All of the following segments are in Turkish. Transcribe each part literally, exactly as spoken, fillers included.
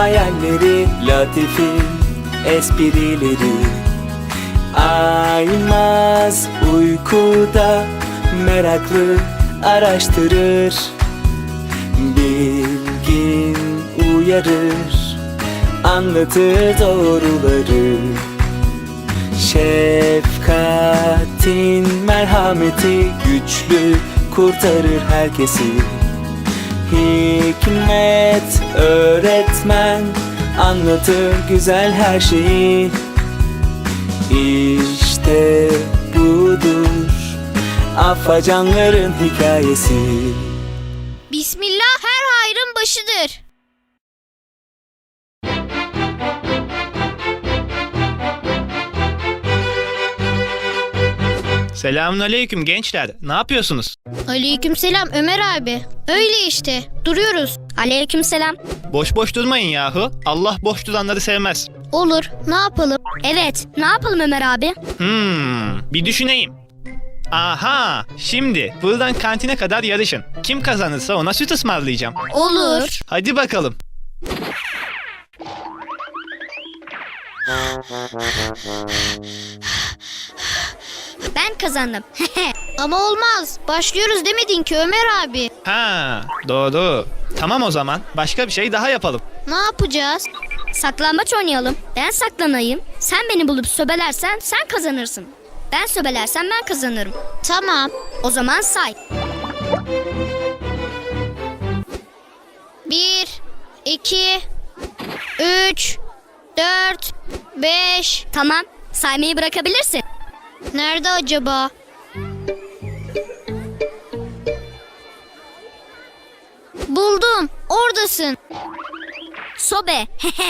hayalleri, latifi esprileri. Aymaz uykuda meraklı araştırır, bilgin uyarır, anlatır doğruları. Şefkatin merhameti güçlü kurtarır herkesi. Hikmet öğretmen anlatır güzel her şeyi. İşte budur afacanların hikayesi. Bismillah her hayrın başıdır. Selamünaleyküm gençler. Ne yapıyorsunuz? Aleykümselam Ömer abi. Öyle işte duruyoruz. Aleykümselam. Boş boş durmayın yahu. Allah boş duranları sevmez. Olur, ne yapalım? Evet, ne yapalım Ömer abi? Hmm, bir düşüneyim. Aha, şimdi buradan kantine kadar yarışın. Kim kazanırsa ona süt ısmarlayacağım. Olur. Hadi bakalım. Ben kazandım. Ama olmaz. Başlıyoruz demedin ki Ömer abi. Ha, doğru. Tamam o zaman. Başka bir şey daha yapalım. Ne yapacağız? Saklambaç oynayalım. Ben saklanayım. Sen beni bulup söbelersen sen kazanırsın. Ben söbelersem ben kazanırım. Tamam. O zaman say. Bir, iki, üç, dört, beş. Tamam, saymayı bırakabilirsin. Nerede acaba? Buldum. Oradasın. Sobe.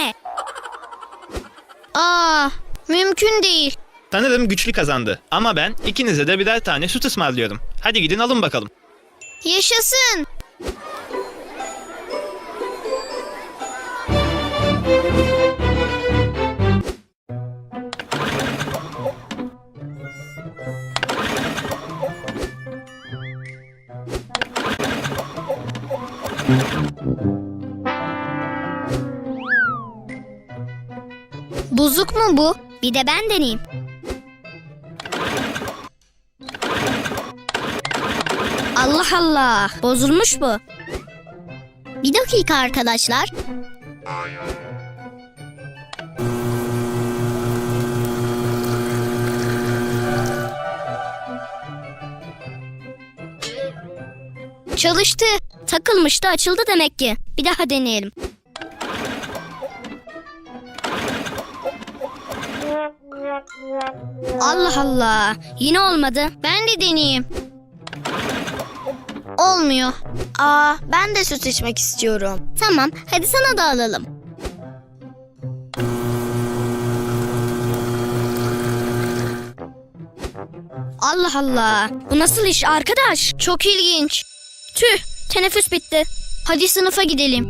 Aa, mümkün değil. Sanırım güçlü kazandı. Ama ben ikinize de birer tane süt ısmarlıyorum. Hadi gidin alın bakalım. Yaşasın. Bozuk mu bu? Bir de ben deneyeyim. Allah Allah, bozulmuş bu. Bir dakika arkadaşlar. Çalıştı. Takılmıştı, açıldı demek ki. Bir daha deneyelim. Allah Allah, yine olmadı. Ben de deneyeyim. Olmuyor. Aa, ben de süt içmek istiyorum. Tamam, hadi sana da alalım. Allah Allah, bu nasıl iş arkadaş? Çok ilginç. Tüh, teneffüs bitti. Hadi sınıfa gidelim.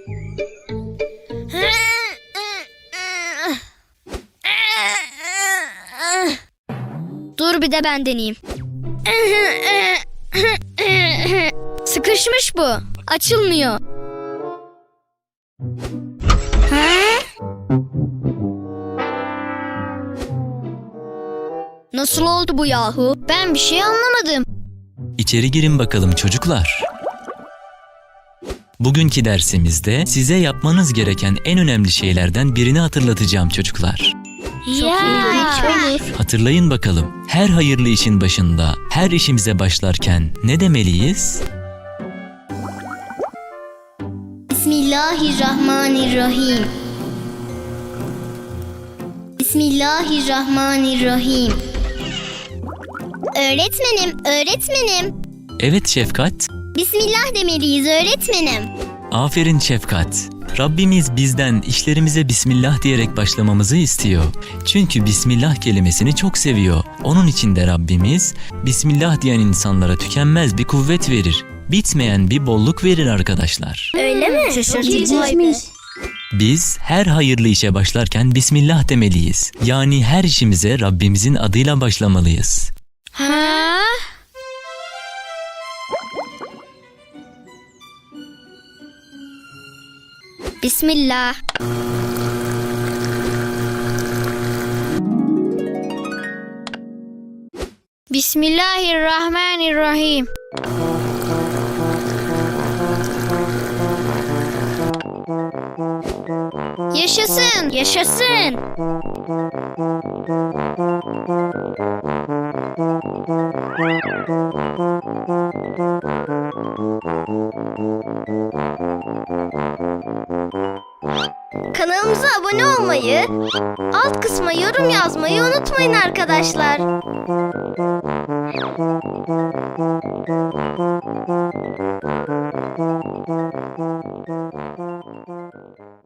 Dur bir de ben deneyeyim. Sıkışmış bu. Açılmıyor. Ha? Nasıl oldu bu yahu? Ben bir şey anlamadım. İçeri girin bakalım çocuklar. Bugünkü dersimizde size yapmanız gereken en önemli şeylerden birini hatırlatacağım çocuklar. Ya. Olur. Hatırlayın bakalım. Her hayırlı işin başında, her işimize başlarken ne demeliyiz? Bismillahirrahmanirrahim. Bismillahirrahmanirrahim. Öğretmenim, öğretmenim. Evet Şefkat. Bismillah demeliyiz öğretmenim. Aferin Şefkat. Rabbimiz bizden işlerimize Bismillah diyerek başlamamızı istiyor. Çünkü Bismillah kelimesini çok seviyor. Onun için de Rabbimiz Bismillah diyen insanlara tükenmez bir kuvvet verir. Bitmeyen bir bolluk verir arkadaşlar. Öyle mi? Şaşırtıcıymış. Biz her hayırlı işe başlarken Bismillah demeliyiz. Yani her işimize Rabbimizin adıyla başlamalıyız. Ha? Bismillah. Bismillahirrahmanirrahim. Yaşasın. Yaşasın. Kanalımıza abone olmayı, alt kısma yorum yazmayı unutmayın arkadaşlar.